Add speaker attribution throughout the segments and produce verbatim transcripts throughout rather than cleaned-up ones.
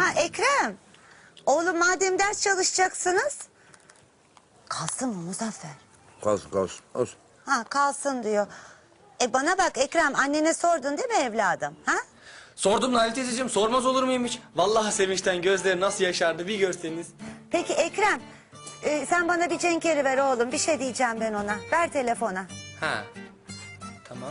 Speaker 1: Ha Ekrem. Oğlum madem ders çalışacaksınız. Kalsın mı Muzaffer?
Speaker 2: Kalsın kalsın. Olsun.
Speaker 1: Ha kalsın diyor. E bana bak Ekrem, annene sordun değil mi evladım? Ha?
Speaker 3: Sordum Nail teyzeciğim, sormaz olur muyum hiç? Vallahi sevinçten gözleri nasıl yaşardı bir görseniz.
Speaker 1: Peki Ekrem, e, sen bana bir Cenkeri ver oğlum. Bir şey diyeceğim ben ona. Ver telefona.
Speaker 3: Ha. Tamam.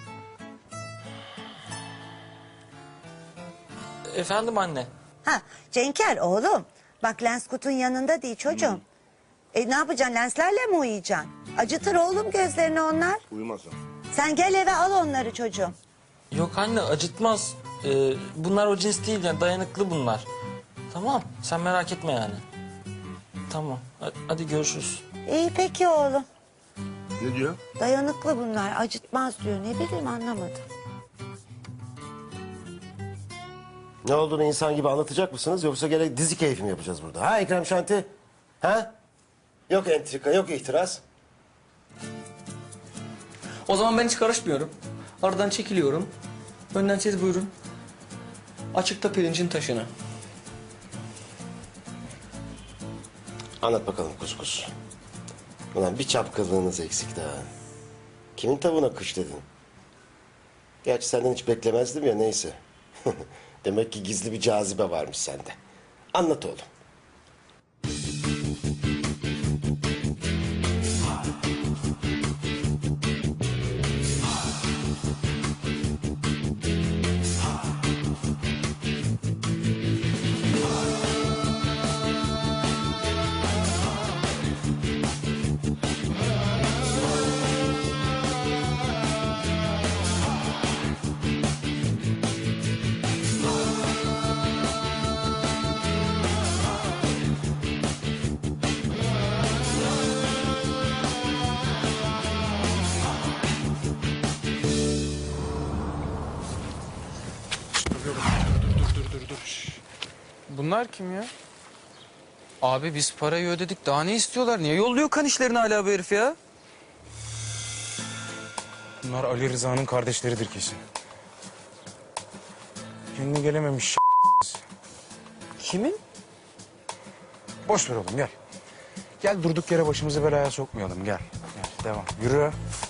Speaker 4: Efendim anne.
Speaker 1: Ha Cenker oğlum. Bak lens kutun yanında değil çocuğum. E ne yapacaksın, lenslerle mi uyuyacaksın? Acıtır oğlum gözlerini onlar.
Speaker 2: Uyumazsın.
Speaker 1: Sen gel eve al onları çocuğum.
Speaker 4: Yok anne, acıtmaz. Ee, bunlar o cins değil yani, dayanıklı bunlar. Tamam, sen merak etme yani. Tamam, hadi, hadi görüşürüz.
Speaker 1: İyi peki oğlum.
Speaker 2: Ne diyor?
Speaker 1: Dayanıklı bunlar, acıtmaz diyor. Ne bileyim, anlamadım.
Speaker 5: Ne olduğunu insan gibi anlatacak mısınız yoksa gerek dizi keyfi mi yapacağız burada? Ha Ekrem Şanti? Ha? Yok entrika, yok itiraz.
Speaker 3: O zaman ben hiç karışmıyorum. Aradan çekiliyorum. Önden siz buyurun. Açıkta pirincin taşını.
Speaker 5: Anlat bakalım kuskus. Ulan bir çapkınlığınız eksik daha. Kimin tavuğuna kış dedin? Gerçi senden hiç beklemezdim ya, neyse. Demek ki gizli bir cazibe varmış sende. Anlat oğlum.
Speaker 6: Bunlar kim ya? Abi biz parayı ödedik. Daha ne istiyorlar? Niye yolluyor kan işlerini hala bu herif ya?
Speaker 7: Bunlar Ali Rıza'nın kardeşleridir kesin. Kendine gelememiş.
Speaker 6: Kimin?
Speaker 7: Boş ver oğlum, gel. Gel durduk yere başımızı belaya sokmayalım, gel. Gel devam, yürü.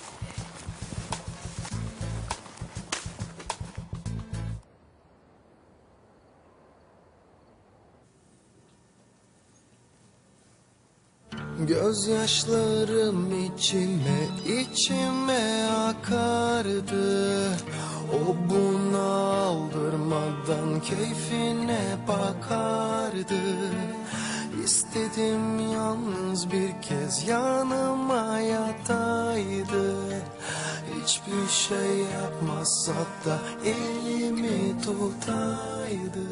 Speaker 8: Gözyaşlarım içime içime akardı. O bunaldırmadan keyfine bakardı. İstedim yalnız bir kez yanıma yataydı. Hiçbir şey yapmasa da elimi tutaydı.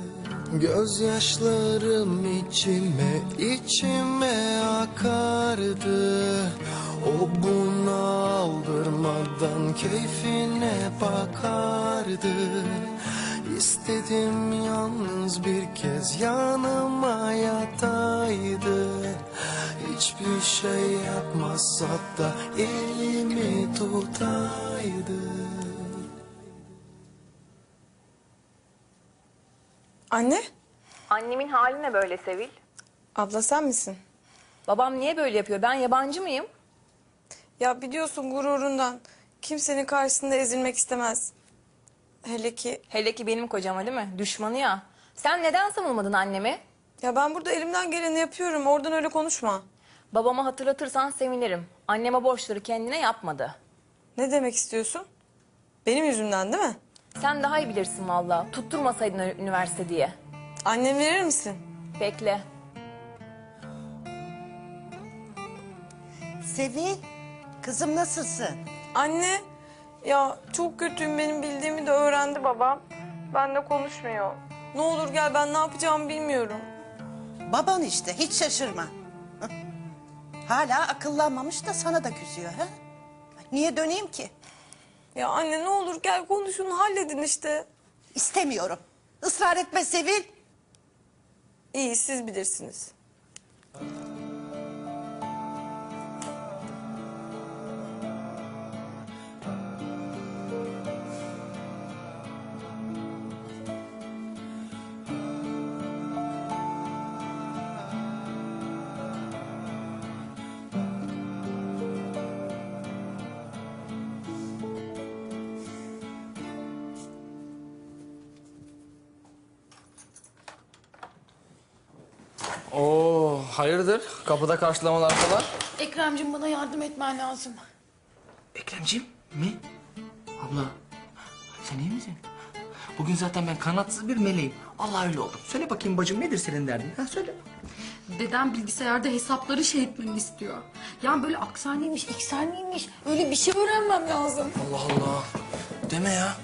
Speaker 8: Gözyaşlarım içime içime akardı. O bunaldırmadan keyfine bakardı. İstedim yalnız bir kez yanıma yataydı. Hiçbir şey yapmasa da elimi tutaydı.
Speaker 9: Anne,
Speaker 10: Annemin hali ne böyle Sevil?
Speaker 9: abla sen misin?
Speaker 10: Babam niye böyle yapıyor? Ben yabancı mıyım?
Speaker 9: Ya biliyorsun gururundan kimsenin karşısında ezilmek istemez. Hele ki
Speaker 10: Hele ki benim kocama değil mi? Düşmanı ya. Sen neden savunmadın annemi?
Speaker 9: ya ben burada elimden geleni yapıyorum. Oradan öyle konuşma.
Speaker 10: Babama hatırlatırsan sevinirim. Anneme borçları kendine yapmadı.
Speaker 9: Ne demek istiyorsun? Benim yüzümden değil mi?
Speaker 10: Sen daha iyi bilirsin vallahi. Tutturmasaydın üniversite diye.
Speaker 9: Annem verir misin?
Speaker 10: Bekle.
Speaker 1: Sevil, kızım nasılsın?
Speaker 9: Anne, ya çok kötüyüm, benim bildiğimi de öğrendi babam. Benle konuşmuyor. Ne olur gel, ben ne yapacağımı bilmiyorum.
Speaker 11: Baban işte, hiç şaşırma. Hala akıllanmamış da sana da küsüyor ha? Niye döneyim ki?
Speaker 9: Ya anne ne olur gel konuşun, halledin işte.
Speaker 11: İstemiyorum. Israr etme Sevil.
Speaker 9: İyi, siz bilirsiniz.
Speaker 3: Oo, hayırdır? Kapıda karşılamalar falan.
Speaker 12: Ekremciğim bana yardım etmen lazım.
Speaker 3: Ekremciğim mi? Abla, sen iyi misin? Bugün zaten ben kanatsız bir meleğim. Allah öyle oldum. Söyle bakayım bacım, nedir senin derdin? Ha söyle.
Speaker 12: Dedem bilgisayarda hesapları şey etmemi istiyor. Yani böyle aksaniymiş, iksaniymiş. Öyle bir şey öğrenmem lazım.
Speaker 3: Allah Allah. Deme ya.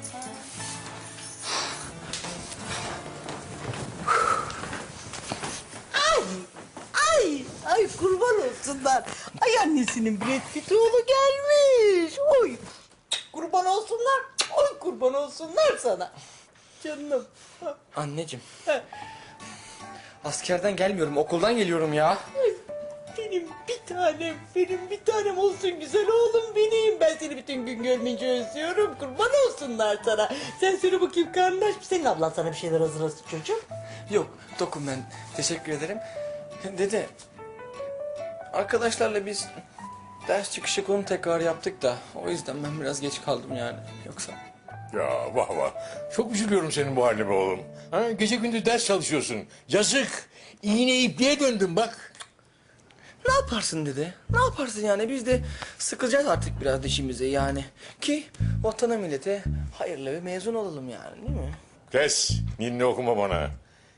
Speaker 11: Ay, ay, ay kurban olsunlar. Ay annesinin Brad Pitt oğlu gelmiş. Oy, kurban olsunlar. Oy kurban olsunlar sana. Canım.
Speaker 3: Anneciğim. Askerden gelmiyorum, okuldan geliyorum ya.
Speaker 11: Ay, benim bir tanem, benim bir tanem olsun güzel oğlum benim. Ben seni bütün gün görmeyince özlüyorum. Kurban olsunlar sana. Sen söyle bakayım karnın aç mı? Senin ablan sana bir şeyler hazırlasın çocuğum.
Speaker 3: Yok, tokum ben. Teşekkür ederim. Dede, arkadaşlarla biz ders çıkışı konu tekrar yaptık da o yüzden ben biraz geç kaldım yani. Yoksa...
Speaker 2: Ya vah vah. Çok üzülüyorum senin bu haline be oğlum. Ha, gece gündüz ders çalışıyorsun. Yazık. İğne ipliğe döndün bak.
Speaker 3: Ne yaparsın dede? Ne yaparsın yani? Biz de sıkılacağız artık biraz dişimize yani. Ki vatana millete hayırlı ve mezun olalım yani, değil mi?
Speaker 2: Kes. Ninni okuma bana.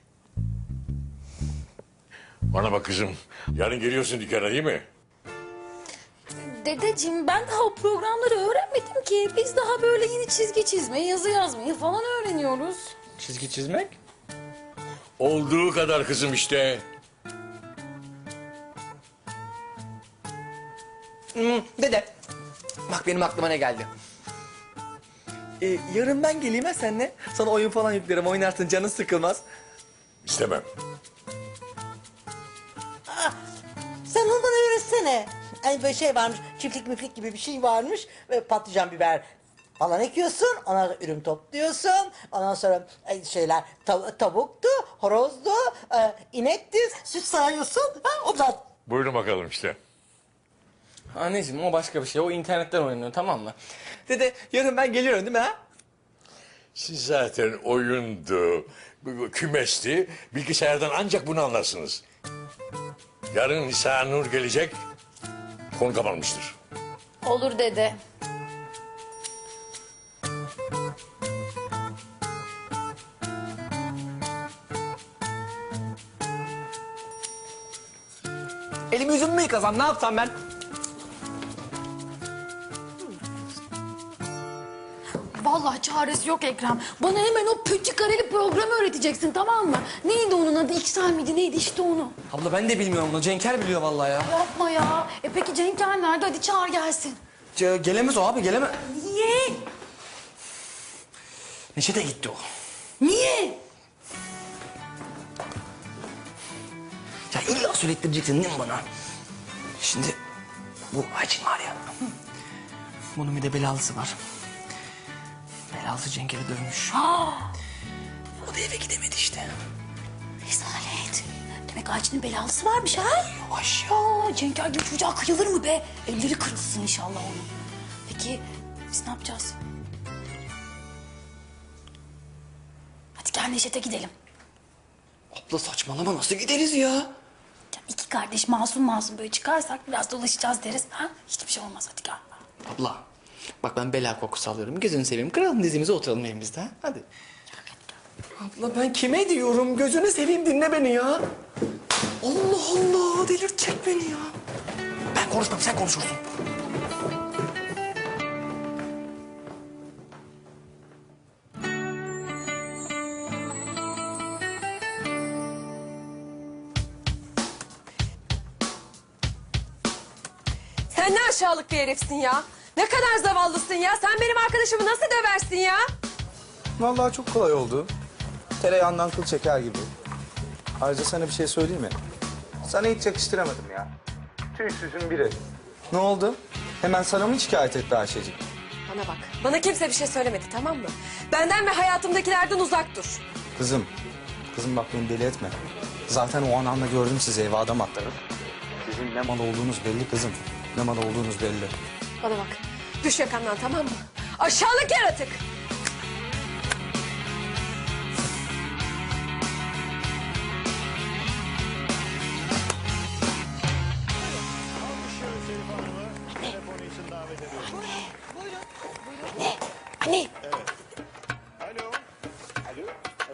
Speaker 2: Bana bak kızım. Yarın geliyorsun dükkana değil mi?
Speaker 12: Dedeciğim ben daha o programları öğrenmedim ki. Biz daha böyle yeni çizgi çizmeyi, yazı yazmayı falan öğreniyoruz.
Speaker 3: Çizgi çizmek?
Speaker 2: Olduğu kadar kızım işte.
Speaker 3: Hmm, dede, bak benim aklıma ne geldi. Ee, yarın ben geleyim ha seninle. Sana oyun falan yüklerim, oynarsın, canın sıkılmaz.
Speaker 2: İstemem.
Speaker 11: Sen onu bana öğretsene. Hani böyle şey varmış, çiftlik müflik gibi bir şey varmış. Ve patlıcan biber falan ekiyorsun. Ondan sonra ürün topluyorsun. Ondan sonra e, şeyler tav- tavuktu, horozdu, e, inekti, süt sağıyorsun. Ha, ondan.
Speaker 2: Buyurun bakalım işte.
Speaker 3: Anneciğim o başka bir şey, o internetten oynanıyor, tamam mı? Dede, yarın ben geliyorum değil mi ha?
Speaker 2: Siz zaten oyundu, kümesti, bilgisayardan ancak bunu anlarsınız. Yarın Nisa Nur gelecek, konu kapanmıştır.
Speaker 12: Olur dede.
Speaker 3: Elimi yüzümü mü yıkasam, ne yapsam ben?
Speaker 12: Vallahi çaresi yok Ekrem. Bana hemen o pötü kareli programı öğreteceksin, tamam mı? Neydi onun adı? İksel miydi? Neydi işte onu?
Speaker 3: Abla ben de bilmiyorum bunu, Cenker biliyor vallahi ya.
Speaker 12: Yapma ya. E peki Cenker nerede? Hadi çağır gelsin.
Speaker 3: Ce- gelemez o abi, gelemez.
Speaker 12: Niye?
Speaker 3: Neşe gitti o.
Speaker 12: Niye?
Speaker 3: Ya illa söylettireceksin değil mi bana? Şimdi bu Ayçin var ya. Bunun bir de belalısı var. Belalısı Cenker'i dövmüş. O da eve gidemedi işte.
Speaker 12: Rezalet. Demek Ayçin'in belalısı varmış ha? Yavaş ya. Cenker gibi çocuğa kıyılır mı be? Elleri kırılsın inşallah onun. Peki biz ne yapacağız? Hadi gel Neşet'e gidelim.
Speaker 3: Abla saçmalama, nasıl gideriz ya?
Speaker 12: Ya iki kardeş masum masum böyle çıkarsak biraz dolaşacağız deriz. Ha? Hiçbir şey olmaz, hadi gel.
Speaker 3: Abla bak ben bela kokusu alıyorum. Gözünü seveyim, kıralım dizimize, oturalım evimizde ha? Hadi. Abla ben kime diyorum? Gözünü seveyim, dinle beni ya. Allah Allah, delirtecek beni ya. Ben konuşmam, sen konuşursun.
Speaker 13: Sen ne aşağılık bir herifsin ya. Ne kadar zavallısın ya. Sen benim arkadaşımı nasıl döversin ya?
Speaker 14: Vallahi çok kolay oldu. Tereyağından kıl çeker gibi. Ayrıca sana bir şey söyleyeyim mi? Sana hiç yakıştıramadım ya. Tüysüzün biri. Ne oldu? Hemen sana mı şikayet etti Ayşecik?
Speaker 13: Bana bak. Bana kimse bir şey söylemedi, tamam mı? Benden ve hayatımdakilerden uzak dur.
Speaker 14: Kızım, kızım bak beni deli etme. Zaten o anamla gördüm sizi eve adam attırıp. Sizin ne mal olduğunuz belli kızım. Ne mal olduğunuz belli.
Speaker 13: Bana bak. Düş yakamdan, tamam mı? Aşağılık yaratık.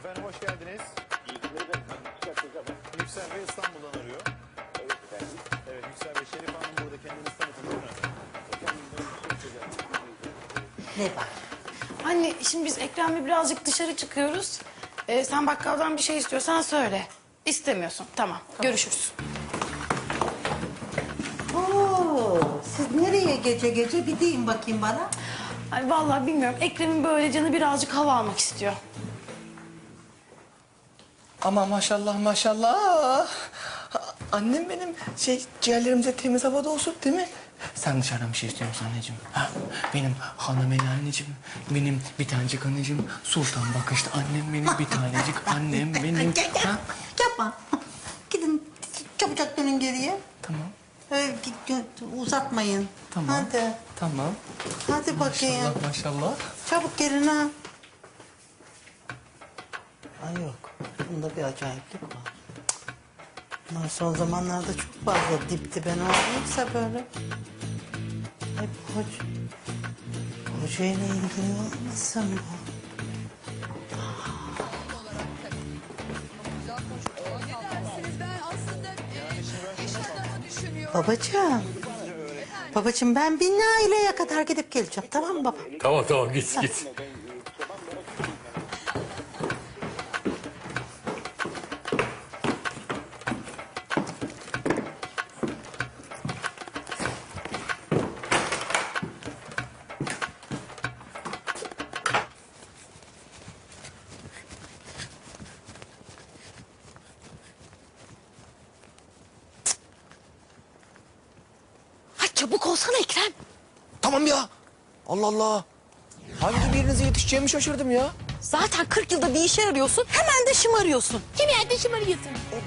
Speaker 15: Efendim hoş geldiniz. Yüksel Bey İstanbul'dan arıyor. Evet efendim. Evet Yüksel Bey, Şerif Hanım burada, kendinizi tanıtın değil mi?
Speaker 11: Ne var?
Speaker 12: Anne şimdi biz Ekrem'le birazcık dışarı çıkıyoruz. Ee, sen bakkaldan bir şey istiyorsan söyle. İstemiyorsun. Tamam. Görüşürüz.
Speaker 11: Oo, siz nereye gece gece bir deyin bakayım bana.
Speaker 12: Ay vallahi bilmiyorum. Ekrem'in böyle canı birazcık hava almak istiyor.
Speaker 3: Ama maşallah maşallah. Annem benim şey ciğerlerimde temiz havada olsun değil mi? Sen dışarıdan bir şey istiyor musun anneciğim? Ha? Benim hanım el anneciğim, benim bir tanecik anneciğim, sultan bakışlı annem benim, bir tanecik annem benim.
Speaker 11: Gel gel.
Speaker 3: Ha?
Speaker 11: Yapma. Gidin çabucak dönün geriye.
Speaker 3: Tamam,
Speaker 11: Ee, git- gö- uzatmayın.
Speaker 3: tamam,
Speaker 11: Hadi.
Speaker 3: tamam.
Speaker 11: Hadi bakayım.
Speaker 3: Maşallah maşallah.
Speaker 11: Çabuk gelin ha. Ay yok. Bunda bir acayiplik var. Bunlar son zamanlarda çok fazla dip dibe ne olduysa böyle. Hep hoca. Hocayla ilgili olmasın bu? Babacığım. Babacığım ben bir Naile'ye kadar gidip geleceğim. Tamam mı baba?
Speaker 2: Tamam tamam git git.
Speaker 12: Ay çabuk olsana Ekrem.
Speaker 3: Tamam ya. Allah Allah. Hangi birinize yetişeceğimi şaşırdım ya.
Speaker 12: Zaten kırk yılda bir işe arıyorsun. Hemen de şımarıyorsun. Kim yerde şımarıyorsun?